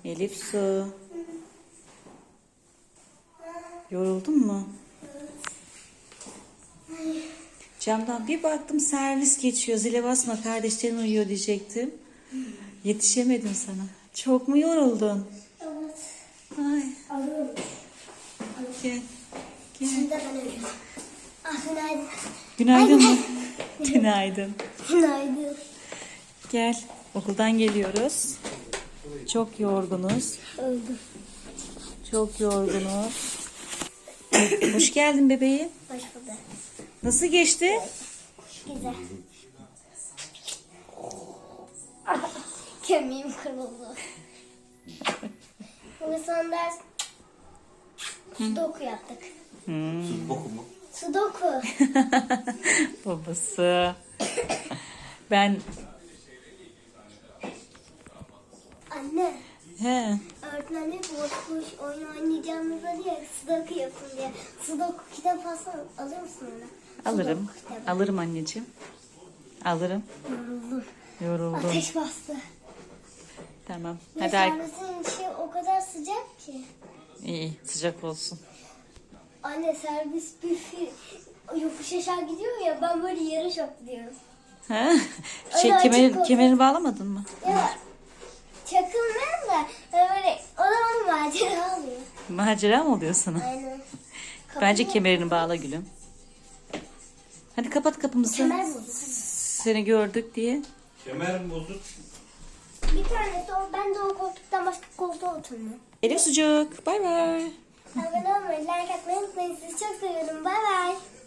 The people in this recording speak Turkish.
Elif Su. Yoruldun mu? Camdan bir baktım servis geçiyor. Zile basma kardeşlerin uyuyor diyecektim. Yetişemedim sana. Çok mu yoruldun? Evet. Ay. Alıyorum. Gel. Şimdi ben ölüyorum. Günaydın. Günaydın mı? Günaydın. Günaydın. Gel. Okuldan geliyoruz. Çok yorgunuz. Öldüm. Çok yorgunuz. Hoş geldin bebeğim. Hoş bulduk. Nasıl geçti? Güzel. Kemiğim kırıldı. Bugün son ders sudoku yaptık. Sudoku mu? Sudoku. Babası. Ben Anne. he Öğretmen diyor ki boş oyun oynayacağımızda diye sudoku yapın diye. Sudoku kitap alır mısın ona? alırım. Sudoku kitabı. Alırım anneciğim. Alırım. Yoruldum. Yoruldum. Ateş bastı. Tamam. Ve Hadi servisin içi o kadar sıcak ki. iyi sıcak olsun. Anne servis yokuş aşağı gidiyor ya, ben böyle yarış atlıyorum. Ha? Öyle açık olsun. Kemerini bağlamadın mı? Ya çakılmıyorum da böyle o zaman macera oluyor. Macera mı oluyor sana? Aynen. Bence Kapıyı- kemerini bağla gülüm. Hadi kapat kapımızı. Kemer bozuk. Seni gördük diye. Kemer mi bozuk? Bir tanesi o, ben de o koltuktan başka koltuğa oturmuyorum. Elif sucuk. Bay bay. Abone olmayı, like atmayı unutmayın. Sizi çok seviyorum. Bay bay.